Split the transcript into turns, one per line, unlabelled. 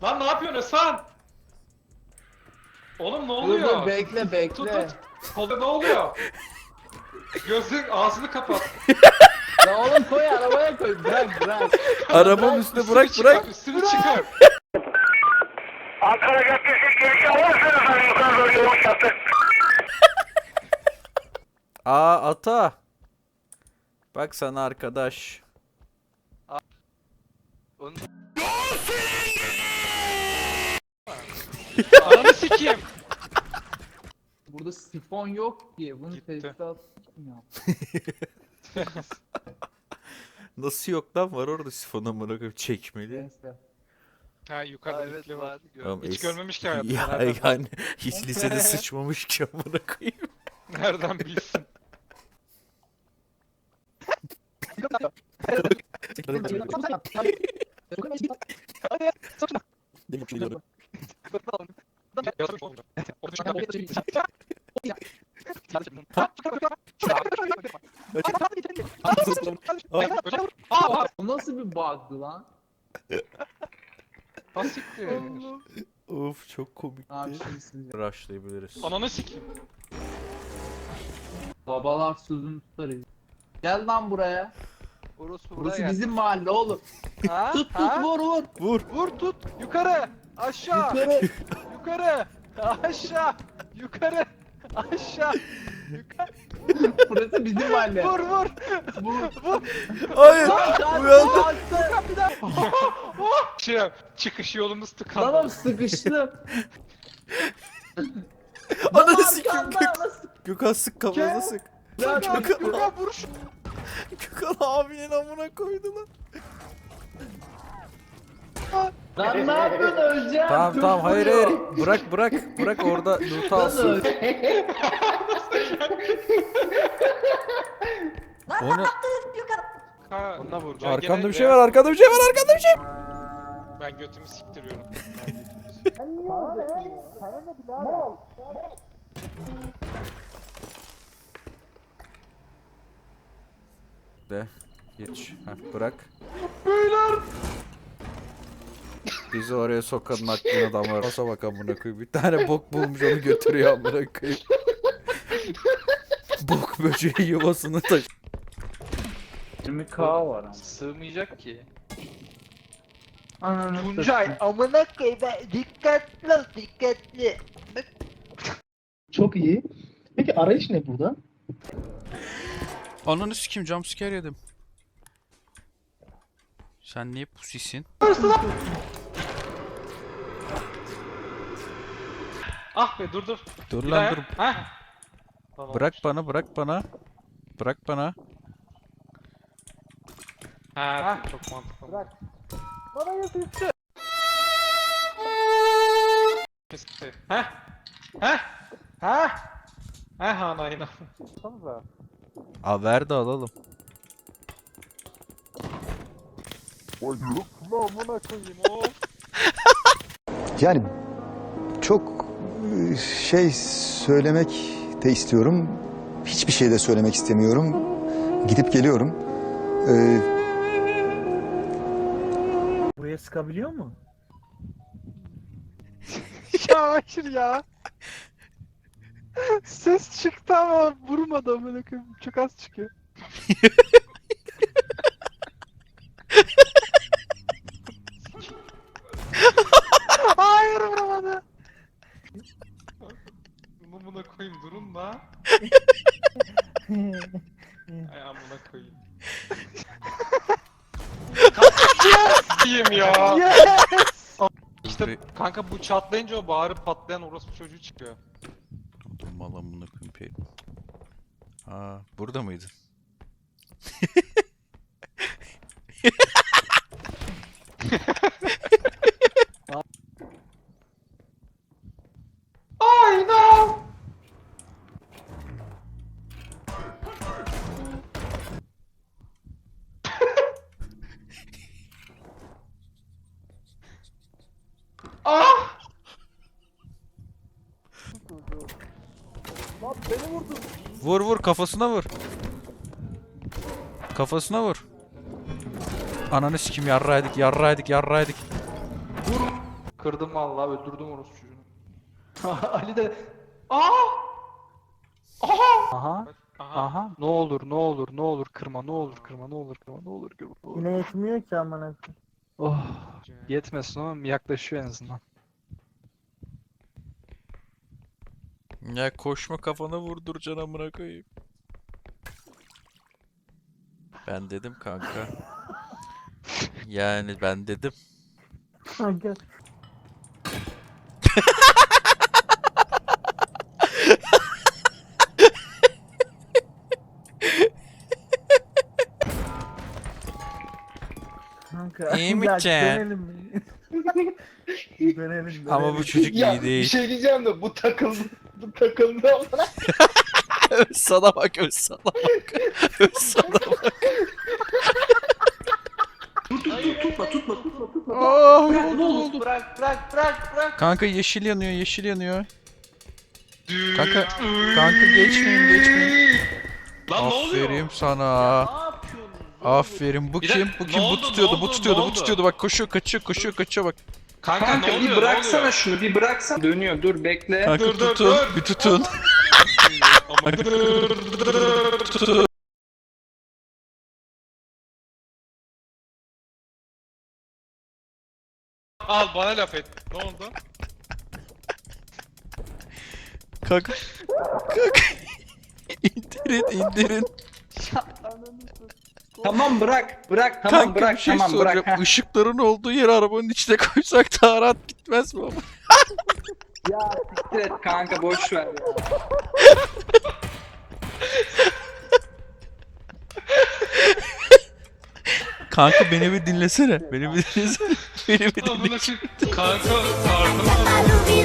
Lan ne yapıyorsun Hasan? Oğlum ne
Dur
oluyor?
dur bekle bekle.
Tut. Kolda ne oluyor? Gözün ağzını kapat.
Ya oğlum koy arabaya koy. Bırak.
Arabanın üstüne bırak bırak.
Üstünü çıkar.
Ankara Caddesi girişi alırsınız hani yukarı doğru yolun yaptı.
Aa ata. Bak sana arkadaş.
Ananı sikeyim.
Burada sifon yok ki. Bunu
Gitti.
tesisat kim ya?
Nasıl yok lan, var orada sifon amına koyayım, çekmeli.
Neyse.
Ha yukarıda evet, var.
Tamam,
Hiç görmemiş ki hayatında.
Ya
Nereden,
yani hiç lisede sıçmamış ki amına koyayım.
nereden bilsin?
Bu nasıl bir bug'dı lan?
Basiktir.
Of çok komikti.
Abi şimdi siz
Rushlayabiliriz.
Ananı sikeyim.
babalar sözünü tutarız. Gel lan buraya. Burası bizim mahalle oğlum.
Ha?
Tut
Ha?
vur.
Vur tut. Yukarı. Aşağı.
Yukarı.
Yukarı. Aşağı. Yukarı. Aşağı. Yukarı.
Burası bizim mahalle.
Vur.
Vur.
Hayır. Uyandım.
Kalktı.
Bir daha.
Çıkış yolumuz
Tamam
tıkandı.
sıkıştım.
Ananı sikeyim.
Arkanda nasıl?
Gökhan sık kafasına sık.
Ya
Yukarı vur şu.
Gökhan abinin amına koydu lan.
Lan ne yapıyorsun öleceğim?
Tamam hayır. Bırak orada loot'u alsın. O ne?
Ha,
Onunla vur.
ya
Arkamda
gene
bir şey var, arkamda bir şey var.
Ben götümü siktiriyorum.
De geç. Heh, bırak. Beyler. Bizi oraya sokanın aklına damar. Masa bak amına koyayım. Bir tane bok bulmuş, onu götürüyor amına koyayım. Bok böceği yuvasını taş.
20k var ama.
Sığmayacak ki.
Ananı
Tuncay amına koyayım. Dikkatli ol dikkatli.
Çok iyi. Peki arayış ne burada?
Ananı sikeyim, jumpscare yedim. Sen niye pusisin?
Ah be dur.
Dur
Bir
lan
daha
dur.
yap. Heh. Tamam.
Bırak bana. Bırak bana.
Ha, çok mantıklı. Bırak. Heh. Heh anayına.
Aa ver de alalım.
Yani çok şey söylemek de istiyorum. Hiçbir şey de söylemek istemiyorum. Gidip geliyorum.
Buraya sıkabiliyor mu?
Ya hayır ya. Ses çıktı ama vurmadı amına koyayım. Çok az çıkıyor. Hayır vuramadı.
Bunu buna koyayım durun da. Ay amına koyayım. Kaçayım ya.
Yes.
İşte kanka bu çatlayınca o bağırıp patlayan orospu çocuğu çıkıyor.
Dur mal amına koyayım. Aa burada mıydın?
Ay no. Ah!
Vur kafasına vur. Kafasına vur. Ananı sikim, yarraydık.
Kırdım vallahi öldürdüm orospu çocuğunu.
Ali de
Aha. Aha. Ne olur ne olur ne olur kırma ne olur kırma ne olur kırma ne olur kırma. Ne olur.
Yine yetmiyor ki amına koyayım.
Oh. Yetmesin ama yaklaşıyor en azından.
Ya koşma kafana vurduracaksın amına koyayım. Ben dedim kanka. Yani ben dedim.
Kanka. Kanka.
İyi mi
ya
ki?
dönelim mi? Dönelim.
Ama bu çocuk
ya
iyi
bir
değil.
şey diyeceğim de bu takıldı. Bu takıldı ama.
Öz sana bak, öz sana bak. Öz sana bak.
Tutma.
Oh, ne oldu?
Bırak.
Kanka yeşil yanıyor, yeşil yanıyor. Kanka geçmeyin.
Lan ne oluyor?
Aferin sana. Aferin. Bu
Bir
kim?
dakika,
Bu kim?
ne
Bu
oldu,
tutuyordu,
ne
bu
oldu,
tutuyordu,
ne
bu
oldu?
tutuyordu. Bak koşuyor, kaçıyor bak.
Kanka ne oluyor?
bir bıraksana şunu, bir bıraksana. Dönüyor, dur bekle.
Kanka
Dur,
tutun,
dur.
bir tutun. Tutun.
Al bana laf et. Ne oldu?
Kanka. İndirin.
Tamam bırak, tamam
Kanka
bırak,
bir şey
tamam
soracağım.
bırak.
Işıkların olduğu yere arabanın içine koysak daha rahat gitmez mi ama?
Ya siktir et kanka, boş ver ya.
Kanka beni bir dinlesene. Beni bir dinlesene.
Amına koyayım. Kanka karnım ağrıyor.